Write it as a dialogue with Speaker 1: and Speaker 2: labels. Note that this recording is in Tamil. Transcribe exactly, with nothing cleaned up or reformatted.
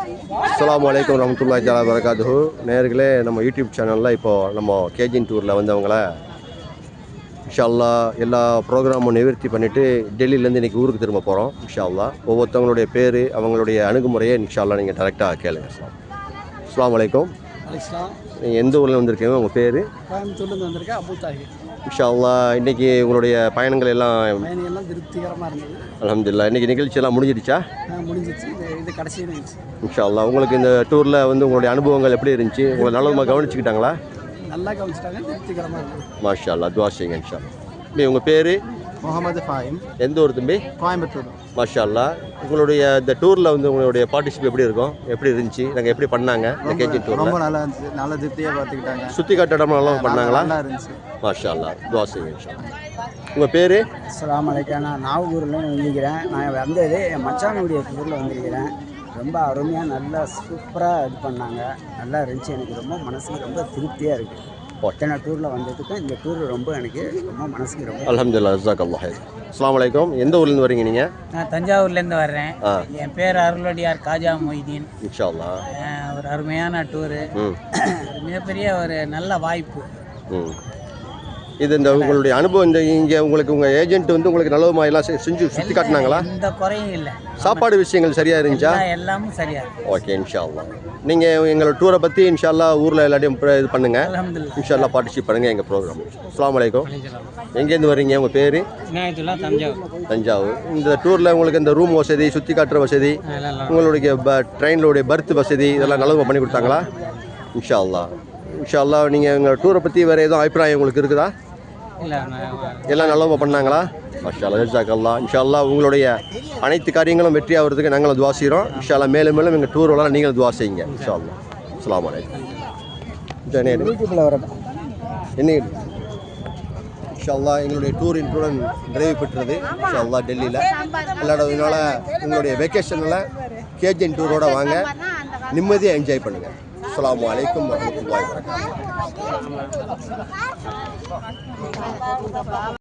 Speaker 1: அஸ்ஸலாமு அலைக்கும் வரஹ்மத்துல்லாஹி தஆலா வரகாத்துஹு. நேயர்களே, நம்ம யூடியூப் சேனலில் இப்போது நம்ம கேஜின் டூரில் வந்தவங்கள இன்ஷா அல்லாஹ் எல்லா ப்ரோக்ராமும் நிவர்த்தி பண்ணிவிட்டு டெல்லியிலேருந்து இன்றைக்கி ஊருக்கு திரும்ப போகிறோம். இன்ஷா அல்லாஹ் ஒவ்வொருத்தவங்களுடைய பேர், அவங்களுடைய அணுகுமுறையை இன்ஷா அல்லாஹ் நீங்கள் டேரெக்டாக கேளுங்க. அஸ்ஸலாமு அலைக்கும். நீங்கள் எந்த ஊரில் வந்திருக்கீங்க? உங்கள் பேர்?
Speaker 2: கோயம்புத்தூர்லேருந்து வந்திருக்கேன். அபு தாஹிர்.
Speaker 1: இன்ஷா அல்லாஹ் இன்றைக்கி உங்களுடைய பயணங்கள் எல்லாம்
Speaker 2: பயணிகள்லாம் திருப்திகரமாக இருந்தது.
Speaker 1: அல்ஹம்துலில்லாஹ். இன்றைக்கி நிகழ்ச்சியெல்லாம் முடிஞ்சிடுச்சா?
Speaker 2: முடிஞ்சிச்சு. இது இது கடைசி நிகழ்ச்சி.
Speaker 1: இன்ஷா அல்லாஹ். உங்களுக்கு இந்த டூரில் வந்து உங்களுடைய அனுபவங்கள் எப்படி இருந்துச்சு? உங்களை நல்லமாக கவனிச்சுக்கிட்டாங்களா?
Speaker 2: நல்லா கவனிச்சிட்டாங்க. திருப்திகரமாக இருக்குது.
Speaker 1: மாஷா அல்லாஹ். துஆ செய்யுங்க இன்ஷா அல்லாஹ். தம்பி, உங்கள் பேர்?
Speaker 2: முகமது ஃபாயிம்.
Speaker 1: எந்த ஊர் தம்பி?
Speaker 2: கோயம்புத்தூர்.
Speaker 1: மாஷா அல்லாஹ். உங்களுடைய இந்த டூரில் வந்து உங்களுடைய பார்ட்டிசிபேட் எப்படி இருக்கும்? எப்படி இருந்துச்சு? நாங்கள் எப்படி பண்ணாங்க இந்த கேஜி டூரில்?
Speaker 2: ரொம்ப நல்லா இருந்துச்சு. நல்லா திருப்தியாக பார்த்துக்கிட்டாங்க.
Speaker 1: சுற்றி காட்ட இடம் நல்லா பண்ணாங்களா?
Speaker 2: நல்லா இருந்துச்சு.
Speaker 1: மாஷா அல்லாஹ். துஆ செய்யுங்க இன்ஷா அல்லாஹ். உங்கள் பேர்?
Speaker 2: அஸ்ஸலாமு அலைக்கும். நான் நாகூரில் வந்திருக்கிறேன். நான் வந்தது என் மச்சானுடைய டூரில் வந்திருக்கிறேன். ரொம்ப அருமையாக நல்லா சூப்பராக இது பண்ணாங்க. நல்லா இருந்துச்சு. எனக்கு ரொம்ப மனசுக்கு ரொம்ப திருப்தியாக இருக்குது. ஒட்டனை டூரில் வந்ததுக்கும் இந்த டூர் ரொம்ப எனக்கு ரொம்ப மனசுக்கு ரொம்ப
Speaker 1: அல்ஹம்துலில்லாஹ். ஜஸாக்கல்லாஹ் ஹைர். அஸ்ஸலாமு அலைக்கும். எந்த ஊர்லேருந்து வரீங்க நீங்கள்?
Speaker 3: நான் தஞ்சாவூர்லேருந்து வர்றேன்.
Speaker 1: ஆ,
Speaker 3: என் பேர் அருள்வடியார் காஜா மொய்தீன்.
Speaker 1: இன்ஷா அல்லாஹ்.
Speaker 3: அஹ் ஒரு அருமையான டூரு,
Speaker 1: ம்
Speaker 3: மிகப்பெரிய ஒரு நல்ல வாய்ப்பு.
Speaker 1: ம் இது இந்த உங்களுடைய அனுபவம், இந்த இங்கே உங்களுக்கு உங்கள் ஏஜென்ட் வந்து உங்களுக்கு நல்லதுமா எல்லாம் செ- செஞ்சு சுற்றி காட்டினாங்களா?
Speaker 3: எந்த குறையும் இல்லை.
Speaker 1: சாப்பாடு விஷயங்கள் சரியாக இருந்துச்சா?
Speaker 3: எல்லா- எல்லாமும் சரியா இருக்கு.
Speaker 1: ஓகே, இன்ஷா அல்லாஹ். நீங்கள் எங்களோட டூரை பற்றி இன்ஷா அல்லாஹ் ஊரில் எல்லாத்தையும் ப்ர- இது பண்ணுங்கள்.
Speaker 3: அல்ஹம்துலில்லாஹ்.
Speaker 1: இன்ஷா அல்லாஹ் பார்ட்டிசிபேட் பண்ணுங்கள் எங்கள் ப்ரோக்ராம். அஸ்ஸலாமு அலைக்கும். எங்கேருந்து வரீங்க? உங்கள் பேர்?
Speaker 3: இனாயத்துல்லாஹ், தஞ்சாவூர்.
Speaker 1: தஞ்சாவூர். இந்த டூரில் உங்களுக்கு இந்த ரூம் வசதி, சுற்றி காட்டுற வசதி, உங்களுடைய ப ட்ரெயினுடைய பர்த் வசதி இதெல்லாம் நல்லதுமா பண்ணி கொடுத்தாங்களா? இன்ஷா அல்லாஹ். இன்ஷா அல்லாஹ். நீங்கள் எங்கள் டூரை பற்றி வேறு எதுவும் அபிப்பிராயம் உங்களுக்கு இருக்குதா?
Speaker 3: இல்லை,
Speaker 1: எல்லாம் நல்லவங்க பண்ணாங்களா? மாஷா அல்லாஹ். ஜஸாக்கல்லாஹ். இன்ஷா அல்லாஹ் உங்களுடைய அனைத்து காரியங்களும் வெற்றி ஆகிறதுக்கு நாங்களும் துவா செய்கிறோம். இன்ஷா அல்லாஹ் மேலும் மேலும் எங்கள் டூர் எல்லாம் நீங்களும் துவா செய்யுங்க. இன்ஷா அல்லாஹ். அஸ்ஸலாமு அலைக்கும்.
Speaker 2: யூடியூப்பில் வரேன்.
Speaker 1: என்ன இன்ஷா அல்லாஹ் எங்களுடைய டூர் இன்றுடன் நிறைவு பெற்றது. இன்ஷா அல்லாஹ் டெல்லியில் விளையாடுறதுனால உங்களுடைய வெக்கேஷனில் கேஜின் டூரோட வாங்க, நிம்மதியாக என்ஜாய் பண்ணுங்கள். அஸ்ஸலாமு அலைக்கும் வரஹ்மத்துல்லாஹி வபரகாத்துஹு.